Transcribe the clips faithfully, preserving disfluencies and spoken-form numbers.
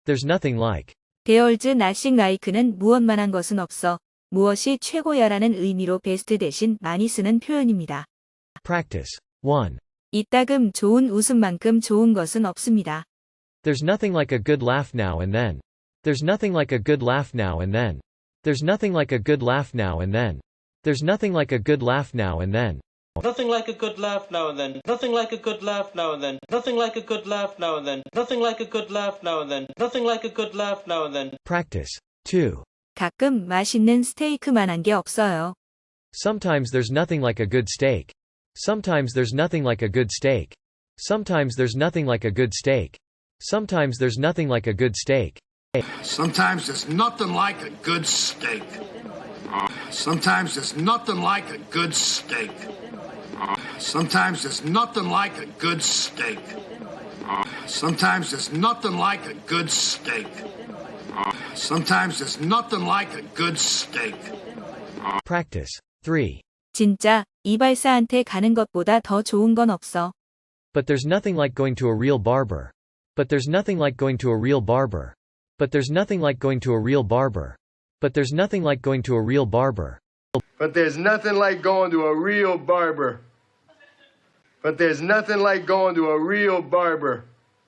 There's nothing like. There's nothing like는 무엇만한 것은 없어. 무엇이 최고야라는 의미로 best 대신 많이 쓰는 표현입니다. Practice. one. 이따금 좋은 웃음만큼 좋은 것은 없습니다. There's nothing like a good laugh now and then. There's nothing like a good laugh now and then. There's nothing like a good laugh now and then. There's nothing like a good laugh now and then. Nothing like a good laugh now and then. Nothing like a good laugh now and then. Nothing like a good laugh now and then. Nothing like a good laugh now and then. Nothing like a good laugh now and then. Practice. two. 가끔 맛있는 스테이크만한 게 없어요. Sometimes there's nothing like a good steak. Sometimes there's nothing like a good steak. Sometimes there's nothing like a good steak. Sometimes there's nothing like a good steak. Sometimes there's nothing like a good steak. Sometimes there's nothing like a good steak. Sometimes there's nothing like a good steak. Sometimes there's nothing like a good steak. Sometimes there's nothing like a good steak. Practice. three. 진짜 이발사한테 가는 것보다 더 좋은 건 없어. But there's nothing like going to a real barber. But there's nothing like going to a real barber. But there's nothing like going to a real barber. But there's nothing like going to a real barber. But there's nothing like going to a real barber. But there's nothing like going to a real barber.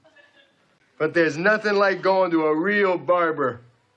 But there's nothing like going to a real barber.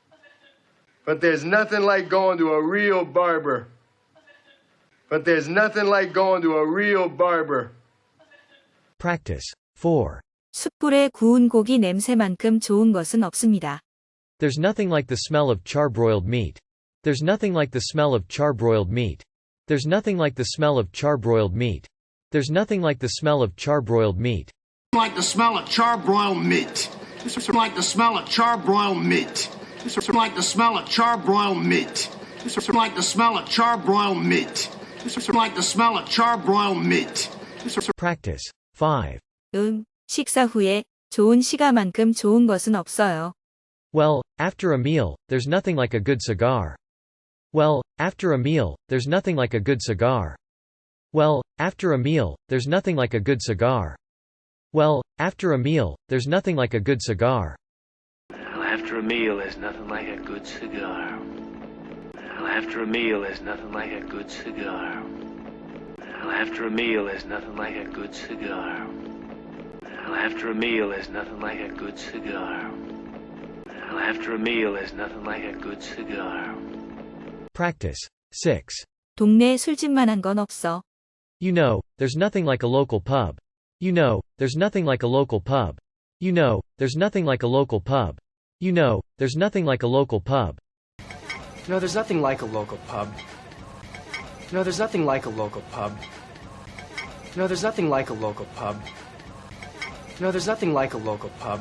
But there's nothing like going to a real barber. But there's nothing like going to a real barber. Practice. four. 숯불에 구운 고기 냄새만큼 좋은 것은 없습니다. There's nothing like the smell of charbroiled meat. There's nothing like the smell of charbroiled meat. There's nothing like the smell of charbroiled meat. There's nothing like the smell of charbroiled meat. Like the smell of charbroiled meat. Like the smell of charbroiled meat. Like the smell of charbroiled meat. Like the smell of charbroiled meat. Like the smell of charbroiled meat. Practice. five. 음, 식사 후에 좋은 시가만큼 좋은 것은 없어요. Well, after a meal, there's nothing like a good cigar. Well, after a meal, there's nothing like a good cigar. Well, after a meal, there's nothing like a good cigar. Well, after a meal, there's nothing like a good cigar. Well, after a meal, there's nothing like a good cigar. Well, after a meal, there's nothing like a good cigar. Well, after a meal, there's nothing like a good cigar. Well, after a meal, there's nothing like a good cigar. Well, after a meal, there's nothing like a good cigar. Practice. six. 동네 술집만한 건 없어. You know, there's nothing like a local pub. You know, there's nothing like a local pub. You know, there's nothing like a local pub. You know, there's nothing like a local pub. No, there's nothing like a local pub. No, there's nothing like a local pub. No, there's nothing like a local pub. No, there's nothing like a local pub.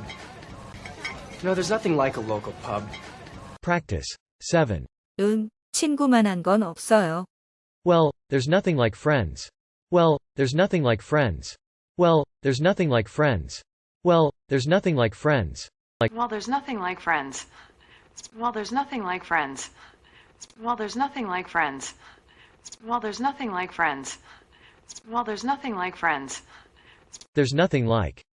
No, there's nothing like a local pub. Practice. seven. 음, 친구만한 건 없어요. Well, there's nothing like friends. Well, there's nothing like friends. Well, there's nothing like friends. Well, there's nothing like friends. Like Well, there's nothing like friends. Well, there's nothing like friends. Well, there's nothing like friends. Well, there's nothing like friends. Well, there's nothing like friends. There's nothing like.